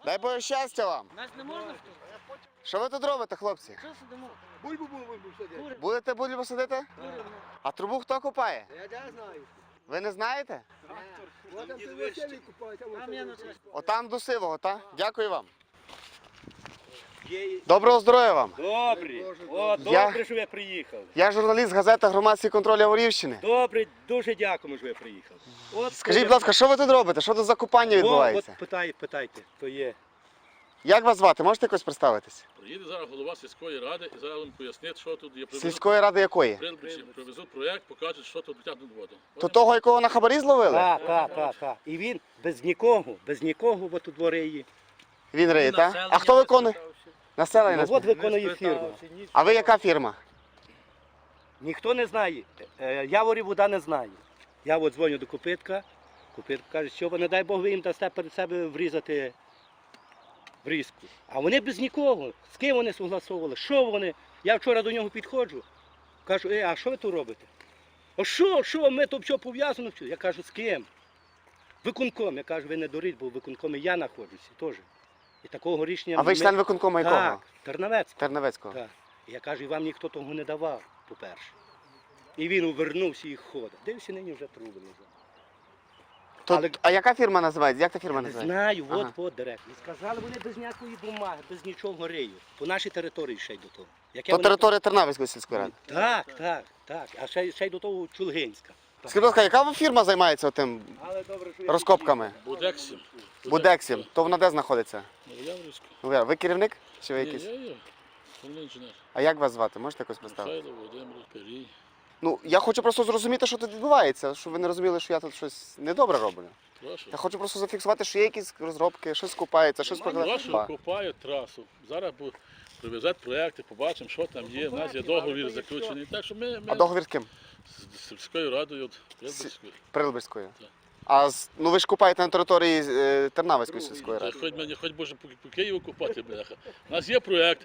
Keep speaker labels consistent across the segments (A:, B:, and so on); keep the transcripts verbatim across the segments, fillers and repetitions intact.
A: Дай Боже щастя вам.
B: Нас не можна?
A: Що ви тут робите, хлопці?
B: Що сидимо?
C: Бульбу бульбу садити.
A: Будете бульбу садити?
B: Куримо.
A: А трубу хто копає?
C: Я не знаю.
A: Ви не знаєте?
C: Вот там ти веселі купають, а
B: Там я
C: вот
B: на
A: Отам до сивого, так? Дякую вам. Доброго здоров'я вам.
D: Добре, о,
A: Я-
D: добре, що ви приїхали.
A: Я журналіст газети «Громадський контроль Яворівщини».
D: Добре, дуже дякуємо, що ви приїхали. От,
A: Скажіть, будь ласка, що ви тут робите? Що тут за купання
D: О,
A: відбувається?
D: от питайте, питайте, то є.
A: Як вас звати? Можете якось представитись?
E: Приїде зараз голова сільської ради і зараз вам пояснить, що тут є.
A: Сільської ради якої?
E: Привезуть, привезуть проєкт, покажуть, що тут витягнуть воду.
A: То того, якого на хабарі зловили?
D: Так, так, так, так. І він без нікого, без нікого от у дворі є.
A: Він риє, так? А хто виконує? Населення.
D: Ну,
A: не
D: от
A: спитає.
D: виконує фірма.
A: А ви яка фірма?
D: Ніхто не знає. Е, Яворів вода не знає. Я от дзвоню до Копитка. Копитко каже, що ви, не дай Бог, ви їм дасте перед себе врізати врізку. А вони без нікого. З ким вони согласовували? Що вони? Я вчора до нього підходжу. Кажу, е, а що ви тут робите? А що, що, ми тут все пов'язано? все?» Я кажу, з ким? Виконком. Я кажу, ви не дуріть, бо в виконкомі я знаходжуся теж. І такого рішення...
A: А ви
D: ми-
A: член виконкому якого?
D: Так, Тернавецького.
A: Тернавецького.
D: Так. Я кажу, і вам ніхто того не давав, по-перше. І він увернувся і ходить. Дивився, нині вже труби лежать.
A: То-
D: Але-
A: А яка фірма називається? Як та фірма
D: Не
A: називається?
D: знаю, от,
A: Ага.
D: от директор. І сказали, вони без ніякої бумаги, без нічого риють. По нашій території ще й до того. Яке
A: То
D: вони-
A: територія Тернавської сільської ради.
D: Так, так, так. А ще, ще й до того Чулгинська.
A: Скажіть, будь ласка, яка фірма займається тим
D: Але добре, що я
A: розкопками?
E: Будексім.
A: Будексім. То вона де знаходиться?
E: Новояврівська.
A: Ну, ви керівник? Чи ви
E: Ні,
A: якийсь?
E: я є. Головний інженер.
A: А як вас звати? Можете якось представити?
E: Михайло Володимир Перій.
A: Ну, я хочу просто зрозуміти, що тут відбувається, щоб ви не розуміли, що я тут щось недобре роблю.
E: Прошу.
A: Я хочу просто зафіксувати, що є якісь розробки, щось купається, щось
E: Прошу,
A: прокладає.
E: копають трасу. Зараз бу- привезуть проєкти, побачимо, що там є. У нас є договір заключений. Так що ми,
A: А
E: ми
A: договір з ким?
E: з з сільською радою, от, Прилбицькою.
A: Прилбицькою.
E: Так.
A: А з- ну ви ж купаєте на території е, Тернавської сільської
E: Та
A: ради.
E: хоч мені, хоч може по, по Києву купати, бляха. У нас є проєкт.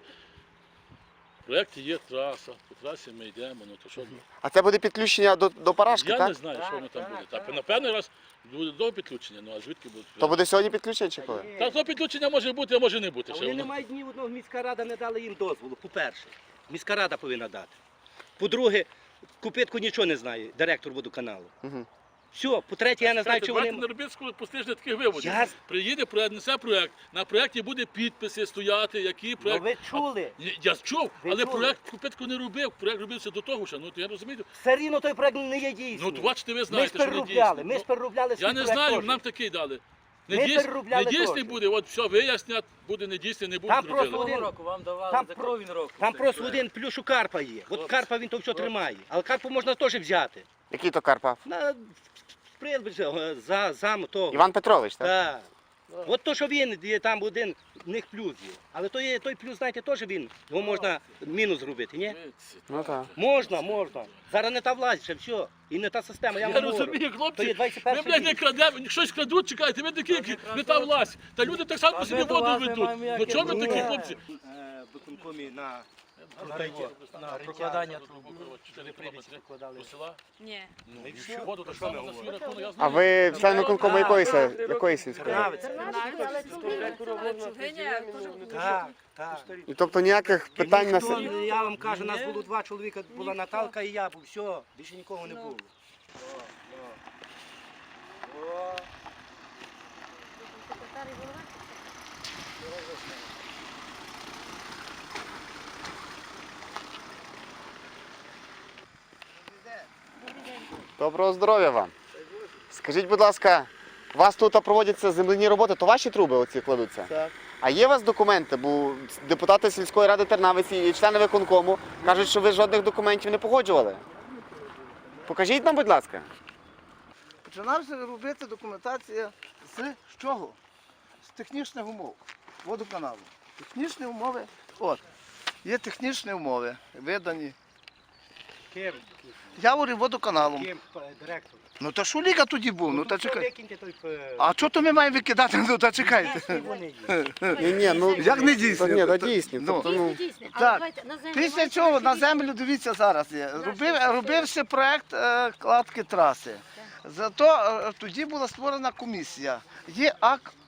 E: В проєкті є траса, по трасі ми йдемо, ну то що?
A: А це буде підключення до, до Парашки,
E: Я
A: так?
E: не знаю, що воно там буде. Так, напевно, раз буде до підключення, ну а звідки буде?
A: То буде сьогодні підключення чи коли?
E: Так, то підключення може бути, а може не бути.
D: А
E: Ще
D: вони не
E: воно.
D: мають ні одного, міська рада не дала їм дозволу, по-перше. Міська рада повинна дати. По-друге, Купитко нічого не знає, директор водоканалу.
A: Угу.
D: Все, по-третє, я не знаю, чи
E: Давайте
D: вони...
E: не робіть постижне таких виводів.
D: Я-
E: Приїде проєкт, несе проєкт, на проєкті буде підписи стояти, які
D: Ну,
E: проєкт.
D: ви чули?
E: Ні, я чув,
D: Ви
E: але
D: чули?
E: проєкт Купитко не робив, проєкт робився до того, що, ну то я розумію.
D: Все рівно той проект не є дійсний.
E: Ну, то бачите, ви
D: Ми ж
E: знаєте, що не
D: переробляли,
E: дійсний.
D: ми ж
E: Ну,
D: переробляли свій
E: я не
D: проект
E: знаю,
D: теж.
E: нам такий дали.
D: Ми
E: Не, дійс...
D: переробляли
E: не дійсний
D: теж.
E: буде, от все вияснять, буде не дійсний, не буде
D: Там
E: зробили.
D: просто один,
B: року вам давали,
D: Там
B: за
D: про-
B: кровін року.
D: там
B: Це
D: просто
B: проект.
D: один плюс у Карпа є. От
E: Хлопці,
D: Карпа він то все
E: хлопці.
D: тримає. Але Карпу можна теж взяти.
A: Який то Карпа?
D: На Прилбич, за зам того.
A: Іван Петрович, так?
D: Так. От то, що він, є там один, в них плюс є. Але то є, той плюс, знаєте, теж він, його можна мінус зробити, ні?
A: Ну так.
D: Можна, можна. Зараз не та власть, ще все. І не та система. Я,
E: Я
D: вам говорю.
E: розумію,
D: То
E: хлопці,
D: є
E: ми,
D: двадцять перший
E: блядь, не
D: рік.
E: крадемо, щось крадуть, чекайте, ви такі, які не та власть. Та люди так само
B: А
E: собі
B: ми до
E: воду
B: вас не
E: ведуть.
B: маємо
E: Ну
B: ніяких
E: чого ви такі,
D: Ні.
E: хлопці?
D: Е, в виконкомі на
B: На риття, на прокладання труб.
E: чотири кілометри
D: прокладали.
E: до села.
F: Ні.
D: Ну,
E: Ну,
D: і
E: і
D: що?
E: воду
D: То
E: так
D: що
E: само
D: ми
E: на свій
D: говоримо?
E: рахунок, я
A: А
E: знаю.
A: ви член виконкому якої, се- якої сільської ради?
D: Тернавець.
F: Чугиня
D: Так, так.
A: І тобто ніяких питань на
D: Ніхто,
A: се-
D: я вам кажу, нас було два чоловіка, була Наталка і я, був, все, більше нікого не
F: Ну.
D: було.
A: Доброго здоров'я вам. Скажіть, будь ласка, у вас тут проводяться земляні роботи, то ваші труби оці кладуться?
D: Так.
A: А є у вас документи? Бо депутати сільської ради Тернавиці і члени виконкому кажуть, що ви жодних документів не погоджували. Покажіть нам, будь ласка.
C: Починався робити документація з чого? З технічних умов водоканалу. Технічні умови, от, є технічні умови, видані.
D: Ким?
C: Яворів водоканалом.
D: Ким? Е, Директор.
C: Ну та Шуліка тоді був, ну та
D: все
C: чекай.
D: викиньте той... е,
C: А чого то ми маємо викидати? Ну та чекайте.
D: дійсні вони є.
A: Ні, ні, ну
C: Як не дійсно?
A: ні, та дійсні.
C: Ну.
A: Тобто, ну,
C: Так. Після чого на землю, дивіться, зараз є. Робив, робився проєкт е, кладки траси. Зато е, тоді була створена комісія. Є акт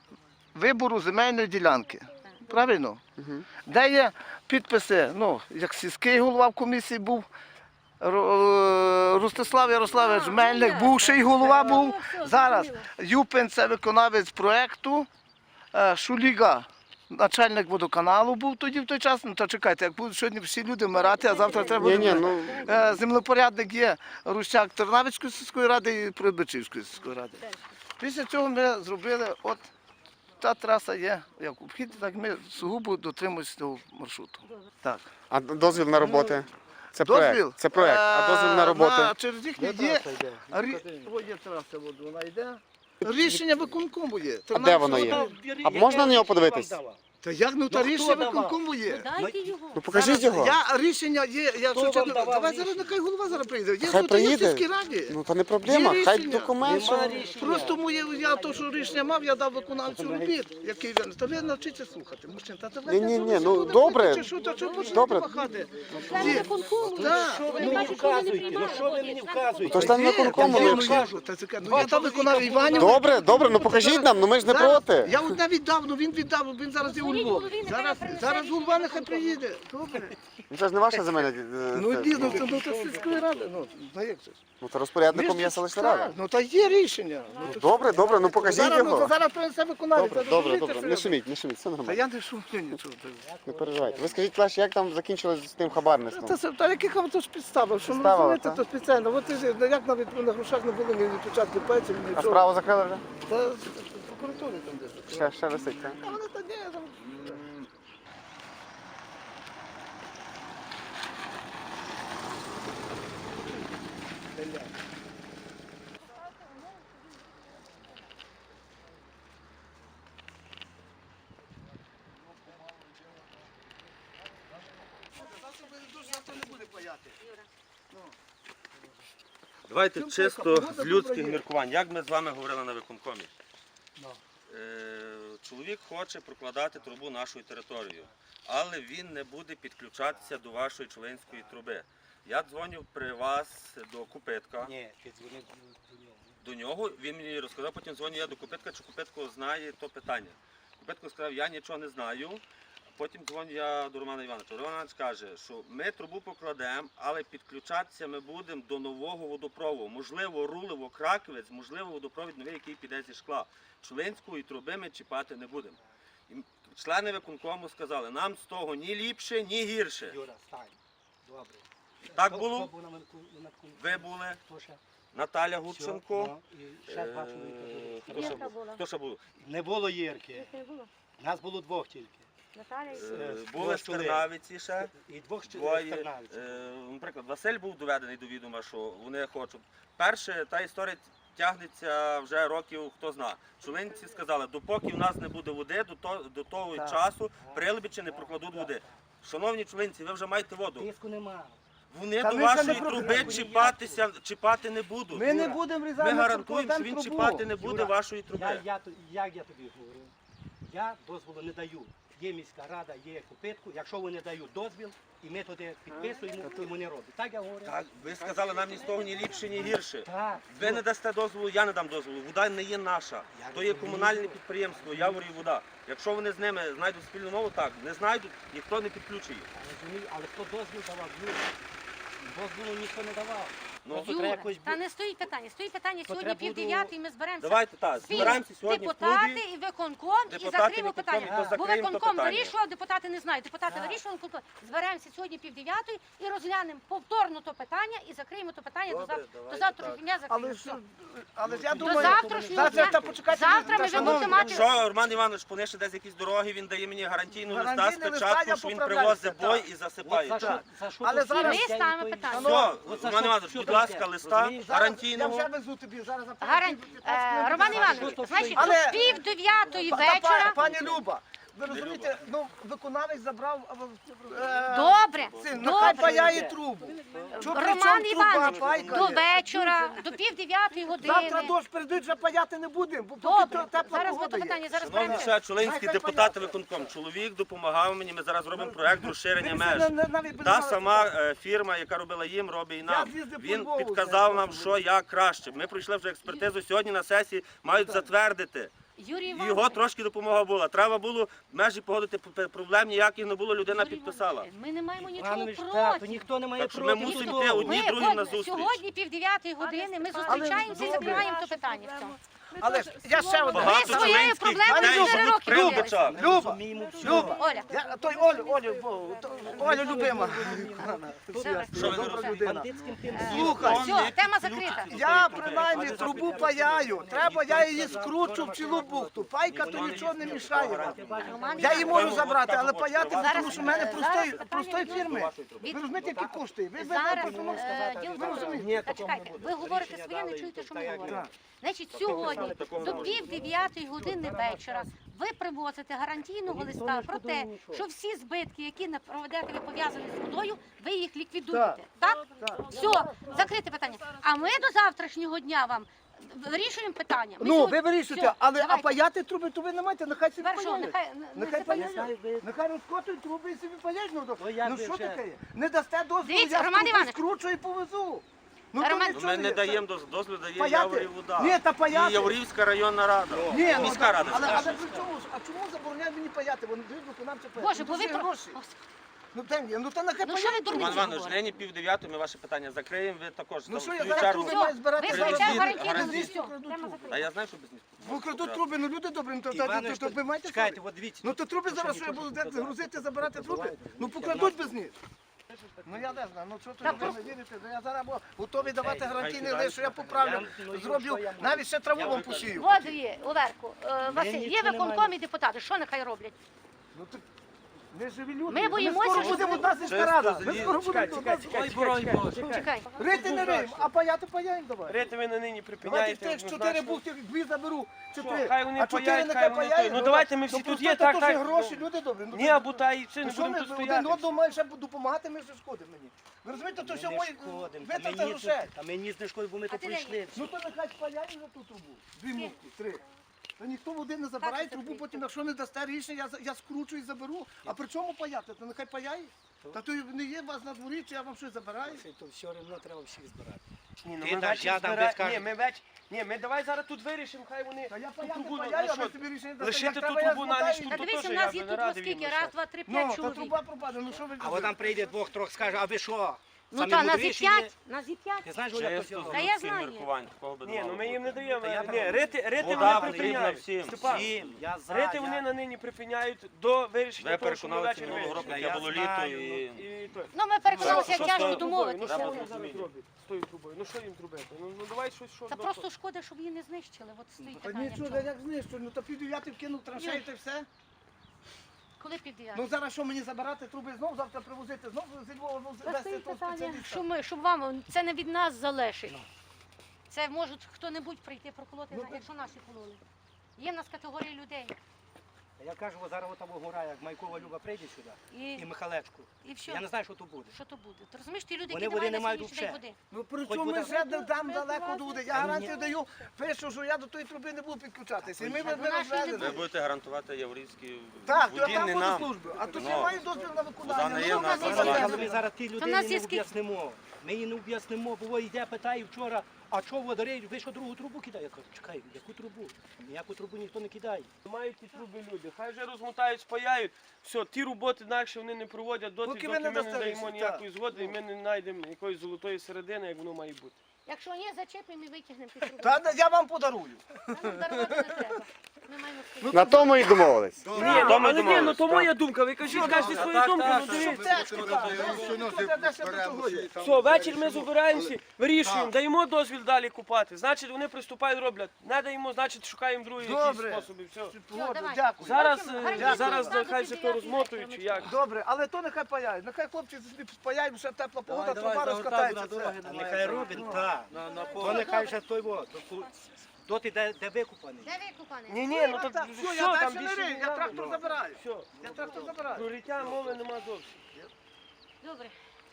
C: вибору земельної ділянки. Правильно? Де є підписи, ну, як сільський голова в комісії був, Ро- Ростислав Ярославович Мельник, бувший голова був. Зараз Юпин – це виконавець проєкту, е, Шуліга – начальник водоканалу був тоді в той час. Ну, то чекайте, як будуть сьогодні всі люди вмирати, а завтра треба
A: Ні,
C: буде.
A: ні, ну
C: Е, Землепорядник є Рущак Тернавицької сільської ради і Прибичівської сільської ради. Після цього ми зробили, от та траса є, як обхід, так ми сугубо дотримуємося цього маршруту. Так.
A: а дозвіл на роботи. Це
C: Дозвіл?
A: проект. Це проект. А дозвіл на
C: Е,
A: роботи.
C: Через їхні є. Рі- О, є траса, от вона йде. Рішення виконкому є.
A: А де воно є? А можна на нього подивитись?
C: Та як, ну та
D: Ну, хто
C: рішення
D: давав?
C: виконкому є.
F: Дайте його.
A: Ну покажіть його.
C: Я рішення є, я
D: Хто
C: що
D: вам
C: чесно,
D: давав
C: давай
D: рішення?
C: зараз нехай голова зараз прийде. Є,
A: Хай
C: ну, то є в
A: приїде.
C: сільській раді.
A: Ну то не проблема.
C: Є
A: Хай
C: рішення.
A: документ.
D: Нема
A: що-
D: рішення.
C: Просто моє, я то, що рішення мав, я дав виконавцю робіт, який він. Та ви навчіться слухати, мужчин. Та та ви
A: Ні, ні,
C: не
A: ні, ну,
C: слухайте,
A: добре.
C: чи що, та що почнете
A: Добре.
C: махати?
F: Члени
C: Ні.
F: виконкому.
C: Так.
D: Що ви мені вказуєте? Ну що ви мені вказуєте?
A: То ж там
C: Є,
A: виконкому
C: є,
A: ліпше.
C: ну, я ж, та це кажу, ну, я дав виконав Іванів.
A: Добре, добре, ну покажіть нам, ну ми ж не
C: Зараз-
A: проти.
C: Я от навіть дав, ну він віддав, він зараз є у
F: Дзвоніть
C: Львові.
F: голові, нехай
C: Зараз,
F: принесе
C: зараз
F: рішення.
C: голова нехай приїде. Добре.
A: Ну це ж не ваша земельна. е,
C: Ну
A: це-
C: дійсно, це ну, це сільської ради. Ну, ну як це ж?
A: Ну то розпорядником є селищна рада.
C: Так, ну та є рішення. Ну, то-
A: Добре, добре, ну покажіть
C: зараз, ну, то
A: його.
C: зараз принесе виконавець.
A: Добре,
C: Та
A: добре,
C: розумієте,
A: добре.
C: що
A: Не
C: я-
A: шуміть, не шуміть, все
C: Та
A: нормально.
C: я не шумлю нічого.
A: Не переживайте. Ви скажіть краще, як там закінчилось з тим хабарництвом?
C: Та, це- та яких вам то ж підставив? Що ну,
A: Підставили,
C: розумієте,
A: так?
C: то спеціально. От ти- ну, як навіть на грошах не було ні відпечатки пальців, ні
A: А
C: нічого.
A: справу закрили вже?
C: Та в прокуратурі там десь.
A: Ще, ще висить, так?
C: Та вони та ні, там.
D: Давайте
C: Чим
D: чисто
C: така
D: з
C: погода
D: людських
C: добра є?
D: міркувань. Як ми з вами говорили на виконкомі? Е, Чоловік хоче прокладати трубу нашою територією, але він не буде підключатися до вашої членської труби. Я дзвонив при вас до Купитка.
B: Ні, ти дзвонив до нього.
D: До нього, він мені розказав, потім дзвоню я до Купитка, чи Купитко знає то питання. Купитко сказав, я нічого не знаю. Потім дзвоню я до Романа Івановича. Роман Іванович каже, що ми трубу покладемо, але підключатися ми будемо до нового водопроводу. Можливо, рулево Краковець, можливо, водопровід новий, який піде зі шкла. Членської труби ми чіпати не будемо. І члени виконкому сказали, нам з того ні ліпше, ні гірше.
B: Юра, стань. Добре.
D: Так
B: Хто-
D: було?
B: хто був на викон- на виконкомі?
D: Ви були,
B: Хто ще?
D: Наталя
B: Все,
D: Гудченко.
B: ну, і ще два чоловіка
D: Е,
B: були.
D: Хто ще
F: Ірка
D: був?
F: була.
D: Хто ще був?
B: Не було Єрки.
F: Їх не було.
B: Нас було двох тільки.
F: Наталя і
D: Е,
B: Е,
D: Були
B: двох чоловік.
D: стернавиці ще.
B: І двох ще
D: Двоє,
B: стернавців.
D: е, наприклад, Василь був доведений до відома, що вони хочуть. Перше, та історія тягнеться вже років, хто зна. Чолинці сказали, допоки в нас не буде води, до, то, до того
B: Так.
D: часу прилибічі не прокладуть води. Шановні чолинці, ви вже маєте воду.
B: Тиску нема.
D: Вони
C: Та
D: до
C: ми ще не
D: вашої
C: про-
D: труби чіпатися, чіпати не будуть.
C: Ми не будемо
D: Ми
C: різати.
D: гарантуємо, що він чіпати не буде
B: Юра,
D: вашої
B: Я,
D: труби.
B: я, то- як я тобі говорю? Я дозволу не даю. Є міська рада, є Купитку. Якщо вони дають дозвіл, і ми туди підписуємо, то вони роблять. Так я говорю?
D: Так, ви сказали, нам ні з того ні ліпше, ні гірше.
B: Так.
D: Ви не дасте дозволу, я не дам дозволу. Вода не є наша. То є комунальне підприємство, Явор і вода. Якщо вони з ними знайдуть спільну мову, так. Не знайдуть, ніхто не підключить їх.
B: Розумію, але хто дозвіл давав? Юра. Дозволу ніхто не давав.
D: Ну,
B: Просто треба
F: Юра,
B: якось
F: та
B: бу-
F: не стоїть питання. Стоїть питання
B: То
F: сьогодні
B: треба
F: пів
B: буду-
F: дев'ятої, ми зберемося.
D: Давайте так,
F: Всі
D: збираємося сьогодні в
F: депутати
D: клубі.
F: і виконком і
D: Депутати,
F: закриємо
D: виконком,
F: питання.
D: і
F: Бо
D: закриємо то
F: виконком
D: питання.
F: вирішував, депутати не знають. Депутати
B: Так.
F: вирішували, виконком. Зберемося сьогодні пів дев'ятої і розглянемо повторно то питання і закриємо то питання до
D: Добре,
F: завтра. До
D: давайте
F: завтрашнього
D: так.
F: дня закриємо.
C: Але,
F: Все.
C: ж- але ж я
F: До
C: думаю,
F: завтрашнього
C: Зараз,
F: дня.
C: та почекайте,
F: Завтра
C: та,
F: ми вже
C: шановні,
F: будемо мати.
D: Якщо Роман Іванович понесе десь якісь дороги, він дає мені гарантійну листа з
C: Гарантійний листа, я
D: печатку, що він
C: поправляюся,
D: привозить
C: так.
D: бой і
B: От
D: засипає.
B: за що,
C: Так.
B: за що
C: Але
B: то всі
C: зараз-
B: всі
F: Ми ставимо
B: відповіді.
F: питання.
D: Все,
B: От за
D: Роман
B: що-
D: Іванович,
B: що
D: будь
B: то
D: ласка,
B: таке?
D: листа
B: Розумієш?
C: Зараз я
D: гарантійного.
C: вже везу тобі, зараз за
F: Гаран... Е, Роман Іванович,
B: Що
F: значить,
B: то
C: Але-
F: до пів дев'ятої
C: Та, та,
F: вечора.
C: Пані Люба, ви розумієте, ну, виконавець забрав е,
F: Добре,
C: цим, нехай
F: добре.
C: паяє трубу. Чого при
F: Роман
C: чому труба
F: Іванович,
C: пайка
F: до
C: є?
F: вечора, до пів дев'ятої
C: Завтра
F: години.
C: дощ прийдуть, вже паяти не будемо, бо поки
F: Добре,
C: то тепла
F: зараз ми
C: погода
F: то
C: є.
F: питання зараз
D: Шановні
F: беремо.
D: ще чолинські
C: Нехай
D: депутати
C: паяти.
D: виконком, чоловік допомагав мені, ми зараз робимо проект розширення
C: Ви
D: меж.
C: на- на- навіть без
D: Та
C: нас
D: сама
C: питали.
D: е, фірма, яка робила їм, робить і нам.
C: з'їздив по
D: Він
C: Львову,
D: підказав
C: знаєте,
D: нам, що як краще. Ми пройшли вже експертизу, сьогодні на сесії мають затвердити.
F: Юрій
G: І його
F: Іванович,
G: трошки допомога була. Треба було межі погодити, п- проблем ніяких не було, людина
F: Юрій
G: підписала.
F: Іванович, ми не маємо нічого
B: Іванович, так,
F: проти.
B: то ніхто не має
G: Так що ми
B: проти.
G: мусимо
B: нічого.
G: йти одні
F: Ми
G: другим
F: от
G: на зустріч.
F: сьогодні пів дев'ятої години ми зустрічаємося і
C: добре.
F: закриваємо то питання в цьому.
C: Але ж я ще одне.
G: Багато
F: Ви своєю
G: Зеленських
F: проблемою
G: дітей
F: чотири
G: живуть
F: роки
G: при
F: билися.
G: Лубочах.
B: Ми
C: Люба,
B: розуміємо все.
C: Люба,
F: Оля,
C: я, той Олю, Олю, бо, то- Олю любима.
F: добре.
G: Що ви не
C: Добра людина.
B: Бандитським тим
C: Слухай,
F: Все, тема закрита.
C: я принаймні трубу паяю. Треба, я її скручу в цілу бухту. Пайка то нічого не мішає.
F: Роман
C: Я її
F: Іванович,
C: можу забрати, але паяти,
F: Зараз-
C: тому що в мене простої,
F: зараз питання
C: простої
F: відносно-
C: фірми.
F: від-
C: Ви розумієте, які коштує? Ви
F: Зараз
C: ви- ви-
F: е, діло в тому, Та чекайте, ви говорите своє, не чуєте, що ми говоримо. Значить, сьогодні до пів дев'ятої години вечора ви привозите гарантійного листа про те, що всі збитки, які на проведете ви пов'язані з водою, ви їх ліквідуєте. Так? Все, закрите питання. А ми до завтрашнього дня вам вирішуємо питання. Ми
C: Ну,
F: сьогодні-
C: ви вирішуєте,
F: Все,
C: але а
F: давайте.
C: паяти труби, то ви не маєте, нехай собі
F: Тепер що,
C: паяють.
F: нехай не- не
C: Нехай
F: запалюють?
C: паяють. Нехай розкотують труби і собі паяють. Ну,
B: Ну, як
C: ну
B: ви
C: що
B: вже-
C: таке? Не дасте дозволу,
F: Дивіться,
C: я
F: Роман
C: труби
F: Іванович.
C: скручу і повезу. Ну, то
F: Роман-
C: нічого
G: Ми не
C: є.
G: даємо доз- дозволу, дає
C: Паяти?
G: Яворів вода.
C: Ні, та
G: І
C: паяти.
G: Яворівська районна рада.
C: Ні, ну,
G: Міська
C: так,
G: рада.
C: але, але
G: скажімо.
C: при чому ж? А чому забороняють мені паяти? Вони дають виконавче паяти.
F: Боже,
C: Ну,
F: бо
C: то
F: ви
C: ж є
F: про...
C: гроші.
F: Господи,
C: Ну, там є. Ну, то нехай
F: Ну, що ви
C: паяють.
F: дурниці
G: Іван Іванович,
F: говорите?
G: нині пів дев'ятої ми ваше питання закриємо, ви також
C: Ну
G: там
C: що, я
G: свою
C: зараз
G: чергу.
C: труби маю збирати
F: ви
C: зараз.
F: включаєте
G: Гарантійно,
F: гарантійну
G: гарантійно.
F: листу. Тема закрита.
G: А я знаю, що без них.
C: Ви крадуть труби, ну люди добрі, ну то, то, то,
B: Іванович,
C: то, то ви маєте
B: чекайте,
C: совість?
B: от дивіться.
C: Ну то труби зараз, що я буду де грузити, забирати труби? Ну покрадуть без них. Ну я не знаю, ну що
F: Та
C: тут ви не вірите? Ну, я зараз бо- готовий давати гарантійний
G: збирають
C: лист, що я поправлю,
B: ну,
C: зроблю, навіть ще траву вам посію.
F: От є, Оверку, е, Василь, є
B: нічого не
F: виконком
B: маємо.
F: і депутати. Що нехай роблять?
C: Ну так ми живі люди.
F: Ми боїмося,
C: скоро
F: що
C: будемо
F: ви-
C: одна сільська рада. Ми
G: злі-
C: скоро
B: Чекай,
C: будемо
B: чекай,
C: одна
B: чекай,
C: сільська
B: чекай,
C: рада.
B: чекай.
F: Чекай.
C: Рити не риємо, а паяти паяємо давай.
H: Рити ви на нині
C: Давайте
H: припиняєте.
C: тих чотири
H: однозначно.
C: бухти, дві заберу,
H: Що,
C: чотири.
H: хай вони
C: А чотири
H: паяють,
C: нехай
H: хай вони
C: паяють.
H: той. Ну, давайте ми всі
C: ну,
H: тут
C: просто
H: є,
C: то
H: так,
C: теж
H: так,
C: гроші,
H: ну.
C: люди добрі. Ну,
H: Ні, або та і все,
C: Ну
H: не
C: що
H: будемо
C: ми
H: тут
C: один
H: стояти.
C: одному маємо ще допомагати, ми ж шкодимо мені. Ви розумієте, то
B: Ми
C: що
B: не
C: мої
B: шкодимо, та
C: витрата
B: мені
C: грошей.
B: з- Та мені з не шкодить, бо ми
F: А
B: тут
F: ти де
B: прийшли.
C: Ну то нехай спаяють за ту трубу. Дві муки, три. Та ніхто води не забирає
F: Так,
C: трубу,
F: закрий.
C: потім, якщо не дасте рішення, я, за- я скручу і заберу. А при чому паяти? То нехай паяє. Та то не є у вас на дворі, чи я вам щось забираю.
B: Це то все одно треба всіх збирати.
H: Ні, ну
B: Ти
H: ми
B: даш,
H: вечір
B: я дам,
H: збира-
B: ви скажете.
H: Ні, ми веч... Ні, ми давай зараз тут вирішимо, хай вони
C: Та я
H: ту
C: паяти
H: трубу,
C: паяю,
H: ну
C: а ви
H: що,
C: собі рішення дасте.
H: лишити
C: Як
H: ту
C: треба, я
H: трубу на
C: змотаю.
H: ніч,
F: Та
H: тут
F: дивися,
H: теж
F: у
H: я
F: нас є
H: би не
F: тут
H: радий
F: скільки?
H: їм
F: Раз,
H: лишати.
F: два, три,
C: Ну,
F: п'ять
C: та
F: чоловік.
C: труба пропаде, ну що ви
B: А от там прийде двох, трьох, скаже, а ви що?
F: Ну
B: Самі
F: та нас і
B: мудріші є?
F: п'ять, нас і п'ять.
B: Ти знаєш, Оля,
G: Чисто
B: хто
F: Та
G: з
F: я
G: людських
F: знаю.
G: міркувань, такого би не
H: Ні, ну
G: мало
H: ми їм не
G: бути.
H: даємо.
B: Та я
H: Ні,
B: правильно.
H: рити, рити
G: Вода
H: вони
G: потрібна
H: припиняють.
G: всім.
H: Степан,
B: Всім, я за,
H: рити
B: я-
H: вони на нині припиняють до вирішення
G: Ви
H: того, що ми
G: переконалися
H: вечір
G: минулого року,
H: вирішимо.
G: яке
B: Я
G: було
B: знаю,
G: літо
B: ну,
G: і...
H: І той.
F: Ну ми переконалися, як
G: Що
F: тяжко
G: з тою
H: Ну
F: домовитися.
H: що
G: Треба
H: вони зараз
G: розуміти.
H: роблять з тою трубою? Ну що їм зробити? Ну, ну давай щось, що
F: Та
H: до
F: просто
H: того.
F: шкода, щоб її не знищили. От стоїть
C: Та
F: питання. в
C: нічого,
F: чому.
C: я як знищу, ну то пів дев'ятий вкинув траншею, та й все.
F: Коли пів дев'ятої?
C: Ну зараз що мені забирати труби знов, завтра привозити, знов зі Львова
F: Та
C: везти
F: стоїть
C: того
F: питання,
C: спеціаліста.
F: що ми, щоб вам, це не від нас залежить. Це можуть хто-небудь прийти проколоти,
C: Ну,
F: якщо наші кололи. Є в нас категорії людей.
B: Я кажу, от зараз там гора, як Майкова Люба прийде сюди,
F: І,
B: і Михалечку.
F: і все.
B: Я не знаю, що тут буде.
F: Що то буде? Ти розумієш, ті люди,
B: Вони
F: які
B: води
F: не
B: не
F: мають
B: мають
F: на сьогоднішній день води.
C: Ну при
B: Хоч
C: чому
B: буде-
C: ми вже де- там далеко до води? Я
B: Ні.
C: гарантію даю, пишу, що я до тої труби не буду підключатися. І ми
F: Ну,
C: ми
F: наші не
C: розвезли.
G: Ви будете гарантувати Яворівській
C: Так, то я
G: воді,
C: там
G: не
C: буду
G: нам.
C: службу. А тут
G: Ну,
C: я маю дозвіл на
G: вода
C: виконання.
G: не
C: Ну,
G: є
C: ну,
G: в нас
C: ну,
G: на
C: ну,
G: балансі.
C: ну,
B: Ми зараз ті
F: нас
B: людині
F: є
B: не
F: скільки-
B: об'яснимо. Ми її не об'яснимо, бо йде, питає вчора, а чого водорей, ви що другу трубу кидає? Я кажу, чекай, яку трубу? Ніяку трубу ніхто не кидає.
H: Мають ті труби люди. Хай вже розмотають, спаяють. Все, ті роботи інакше вони не проводять доти,
C: Поки
H: доки
C: ви не
H: ми не
C: дасте
H: даємо
C: рішення,
H: ніякої згоди, і ми не знайдемо якоїсь золотої середини, як воно має бути.
F: Якщо ні, зачепимо і витягнемо ті труби.
C: Та я вам подарую.
F: Нам дарувати не треба. Ми маємо свої.
A: На тому і домовились.
H: Ні,
G: то
H: ну,
G: ми
H: але ні, ну
G: домовились,
H: то
G: так.
H: моя думка. Ви кажіть, кажете свою думку, ну дивіться.
C: Тяжко, так. Де ще до того є?
H: Все, ввечері ми збираємося, вирішуємо, даємо дозвіл далі купати. Значить, вони приступають, роблять. Не даємо, значить, шукаємо другі якісь
C: Добре.
H: способи. Все.
C: Згоден,
F: давай.
C: Дякую.
H: Зараз,
F: Потім
H: е,
F: гарантійно
H: зараз
F: ставити
H: нехай все то
F: дев'ятий
H: розмотують, чи
F: вечора.
H: як.
C: Добре, але то нехай паяють. Нехай хлопці собі спаяють, ще тепла погода, труба розкатається. все.
B: А нехай робить, так. То нехай вже той во, до- доти, де, де викупаний.
F: Де викупаний?
H: Ні, ні, ну
C: Так,
H: так
C: так,
H: все,
C: все, я
H: там
C: далі не
H: більше
C: рию,
H: не
C: я
H: надо.
C: трактор забираю.
H: Все,
C: Я трактор забираю.
H: про риття мови нема зовсім.
F: Добре.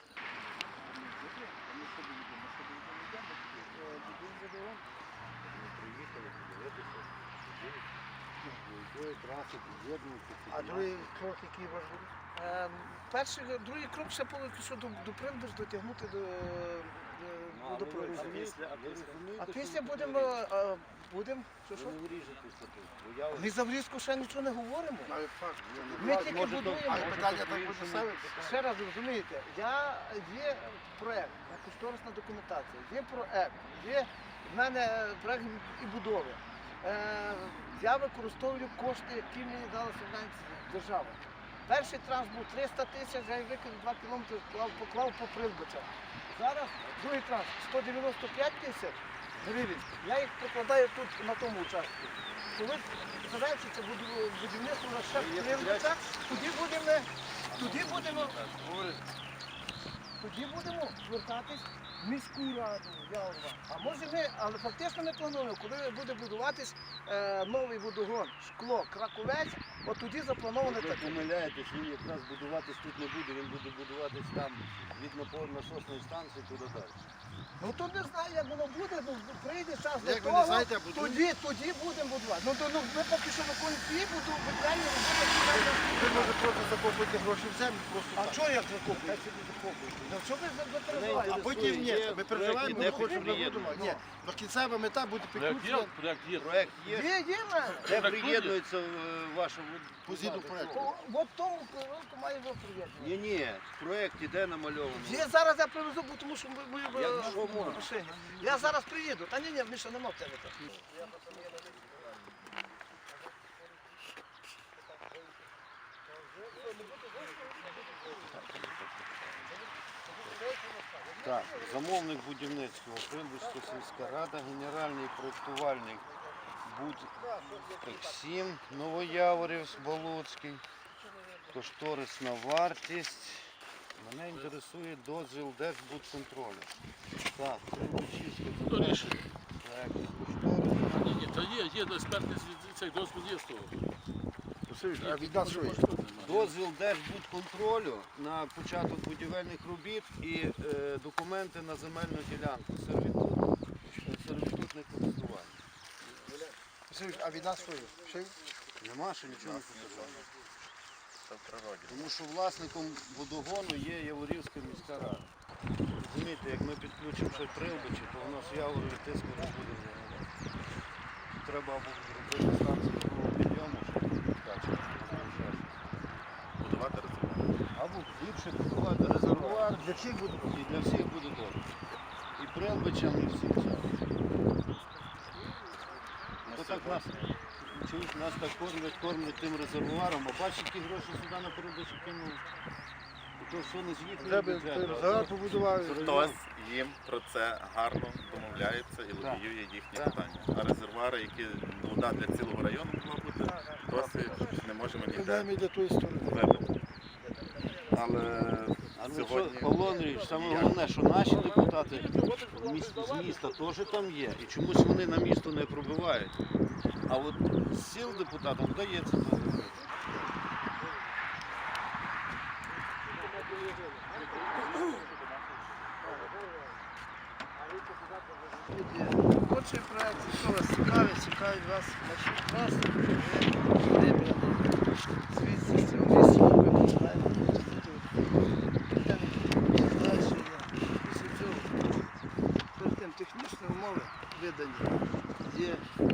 C: А другий крок, який важливий? Е, перший, другий крок ще поки що до, до принду ж дотягнути до, до, до проводу. А після будемо е, Будемо? Що, що? Ми за врізку ще нічого не говоримо. Ми тільки будуємо.
I: питання так буде ставити.
C: Ще раз розумієте, я є проект, кошторисна документація, є проект, є в мене проект і будови. Е, я використовую кошти, які мені дала субвенція держава. Перший транш був триста тисяч, я викинув два кілометри, поклав, поклав по Прилбичах. Зараз другий транш сто дев'яносто п'ять тисяч гривень. Я їх покладаю тут на тому участку. Коли завершиться буду- будівництво на ще Прилбича, тоді будемо, тоді будемо, тоді будемо звертатись в міську раду Яворова. А може ми, але фактично ми плануємо, коли буде будуватись е, новий водогон, шкло, Краковець, от тоді заплановане
I: Ви
C: таке.
I: помиляєтесь, він якраз будуватись тут не буде, він буде будуватись там від напорно-насосної станції туди далі.
C: Ну то не знаю, як воно буде, ну прийде час до
I: Як ви не
C: того,
I: знаєте, а будуємо?
C: тоді, тоді будемо будувати. Ну, то, ну ми поки що виконуємо ті буду, виконання роботи.
I: Ви може просто закопуєте гроші в землю, просто
C: А
I: так.
C: чого як закупуєте? Ну що ви за- за переживаєте?
I: А потім ні,
G: Є
I: ми переживаємо,
G: проект,
I: ми
G: іде
I: хочемо
G: приєднання.
I: будувати. Ні, ну кінцева мета буде
E: Проект є,
I: підключення
E: проект є.
G: Проект є,
C: Є, є в мене.
G: де приєднується е, ваша
I: по згідно проекту.
C: О, От тому керунку має бути приєднання.
G: Ні, ні, в проєкті де намальовано.
C: Є зараз я привезу, бо тому що ми, ми
G: Я
C: в
G: що можу?
C: машині. Я зараз приїду. Та ні, ні, Міша, нема в тебе так.
I: Так, замовник будівництва, Прилбицька сільська рада, генеральний проєктувальник Будексім, Новояворів, Болоцький, кошторисна вартість. Мене інтересує дозвіл Держбудконтролю. Так, Прилбичівське
E: То рішення.
I: проект кошторис.
E: Ні, ні, та є, є експертний цей дозвіл є з того.
I: А від нас що є?
G: Дозвіл Держбудконтролю на початок будівельних робіт і е, документи на земельну ділянку. Сервітут, сервітутне користування.
I: А від нас що є? Що є?
G: Нема ще нічого не показано. Тому що власником водогону є Яворівська міська рада. Розумієте, як ми підключимо ще Прилбичі, то у нас в Яворові тиску не буде взагалі. Треба або робити станцію другого підйому, щоб відкачувати. Будувати резервуар. Або більше будувати резервуар.
I: Для всіх буде.
G: І для всіх буде добре. І Прилбичам, і всім цим. То так нас, чуєш, нас так кормлять, кормлять тим резервуаром, а бачиш, які гроші сюди на Прилбичі кинули. І то все не з їхнього
I: Треба
G: бюджету.
I: резервуар побудували.
J: Хтось їм про це гарно домовляється і лобіює їхні питання. А резервуари, які вода для цілого району була бути, досі не можемо ніде
I: Йдемо і до тої сторони.
J: вибити. Але
G: А ну що,
J: сьогодні
G: Павло Андрійович, саме головне, що наші депутати з міста, з міста теж там є. І чомусь вони на місто не пробивають. А от з сіл депутатам вдається це робити.
C: Робочий проєкт, якщо вас цікавить, цікавить вас маршрут траси, звідси з цього місця ви починаєте. Далі є. Після цього, перед тим технічні умови видані. Є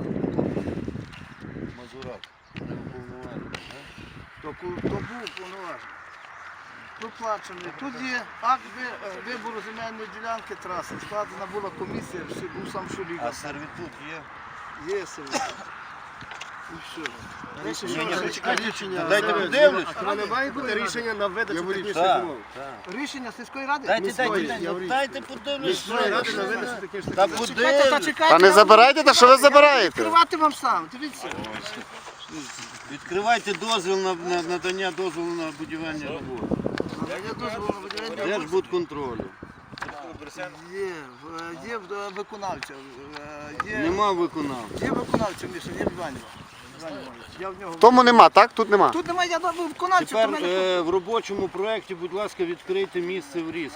G: Мазурак, не уповноважений.
C: то, ку- то був повноважений. Проплачений. Тут є акт ви- вибору земельної ділянки траси. Складена була комісія, всі- був сам Шуліга.
G: А сервітут є?
C: Є сервіс. І все. Дальше
G: Ні,
C: що
G: ні,
C: ви
G: зачекайте,
C: рішення?
G: дайте подивлюсь.
I: А ви не маєте рішення на видачу технічної
G: Так,
I: умови?
G: так.
C: Рішення сільської ради?
G: Дайте,
I: Міської,
G: дайте, дайте,
I: Яворівської.
G: дайте подивлюсь.
I: Міської ради на
G: що.
I: видачу технічної
G: Та
I: умови.
C: Чекайте, та
G: подивлюсь.
C: чекайте.
A: Та не
C: я
A: забирайте, та що ви
C: буду
A: забираєте?
C: Відкривати вам сам, дивіться.
G: Відкривайте дозвіл на, на надання дозволу на будівельні роботи.
C: Я дозволу на будівельні
G: Держбудконтролю.
C: Є, в- є в- виконавця. е, Є,
G: Нема виконавця.
C: є виконавця, Міша, є Іванів. Я в нього.
A: Тому нема, так? Тут нема.
C: Тут немає, я дав виконавця, то
G: Тепер
C: мене
G: е, в робочому проєкті, будь ласка, відкрийте місце врізки.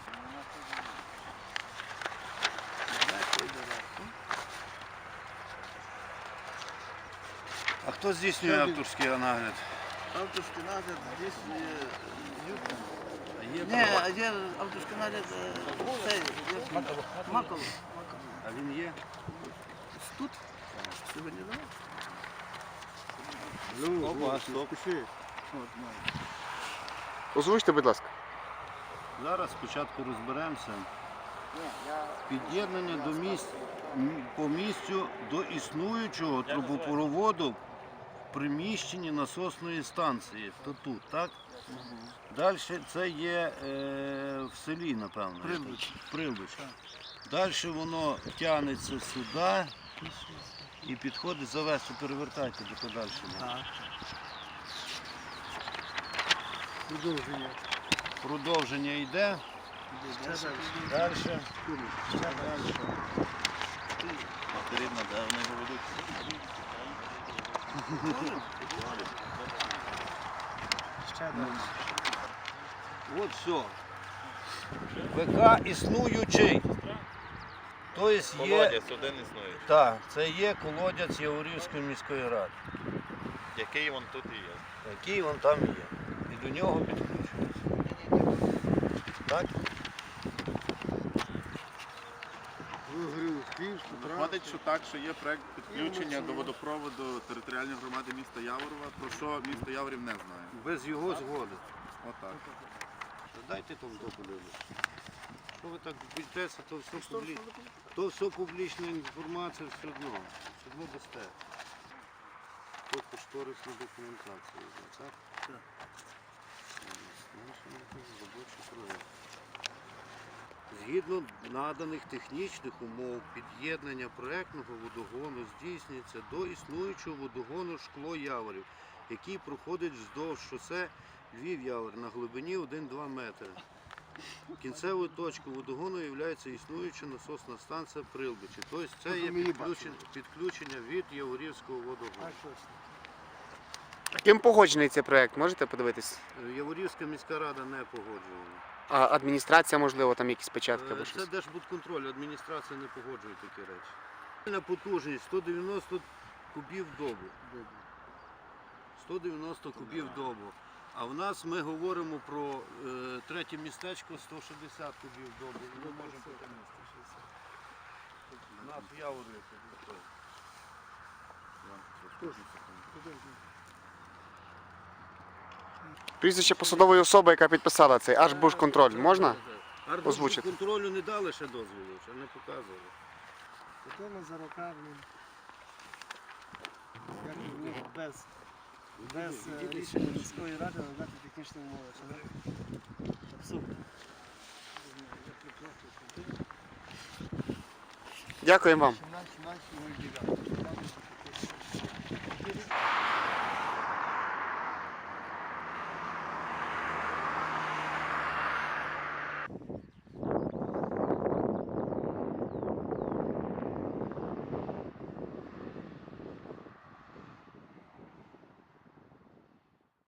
G: А хто здійснює авторський нагляд?
C: авторський нагляд здесь є Юрка.
G: А є
C: Ні, а є авторський нагляд е, цей, як він? Маколов.
G: А він є?
C: Тут?
G: Опа, стоп.
A: Озвучте, будь ласка.
G: Зараз спочатку розберемося. Під'єднання до місць, м, по місцю до існуючого трубопроводу в приміщенні насосної станції. То тут, так? Далі це є е, в селі, напевно. Прилбич. Прилбич. Далі воно тягнеться сюди і підходить завести, перевертайте до подальшого.
I: Продовження.
G: Продовження йде. Далі. Ще далі.
J: Потрібно, де вони його ведуть.
G: От все. ВК існуючий. Тобто є,
J: Колодязь один існує.
G: так, це є колодязь Яворівської міської ради,
J: Який він тут і є.
G: який він там є. І до нього підключується. Так?
J: Виходить, що так, що є проект підключення до водопроводу територіальної громади міста Яворова, про що місто Яворів не знає.
G: Без його згоди.
J: Отак.
G: Дайте там подивитися. Що ви так бітеся, то все публічно. То все публічна інформація, все одно. Все одно дасте. Тут кошторисна документація. Так? Так. Робочий проект. Згідно наданих технічних умов, під'єднання проектного водогону здійснюється до існуючого водогону Шкло-Яворів, який проходить вздовж шосе Львів-Явор на глибині один-два метри. Кінцевою точкою водогону є існуюча насосна станція Прилбичі. Тобто це є підключення, підключення від Яворівського водогону.
A: Ким погоджений цей проект? Можете подивитись?
G: Яворівська міська рада не погоджувала.
A: А адміністрація, можливо, там якісь печатки або
G: Це
A: щось?
G: Держбудконтроль, адміністрація не погоджує такі речі. На потужність сто дев'яносто кубів в добу. сто дев'яносто кубів в добу. А в нас ми говоримо про е, третє містечко сто шістдесят кубів в добу. Ми можемо потягнути шістдесят. У нас в Яворі.
A: Прізвище посадової особи, яка підписала цей Аж-Буш-Контроль, можна? Озвучити.
G: Контролю не дали ще дозволу, ще не показували.
I: Потім за роками, як у них без, без е, рішення міської ради надати технічні умови. Це абсурд.
A: Дякуємо вам.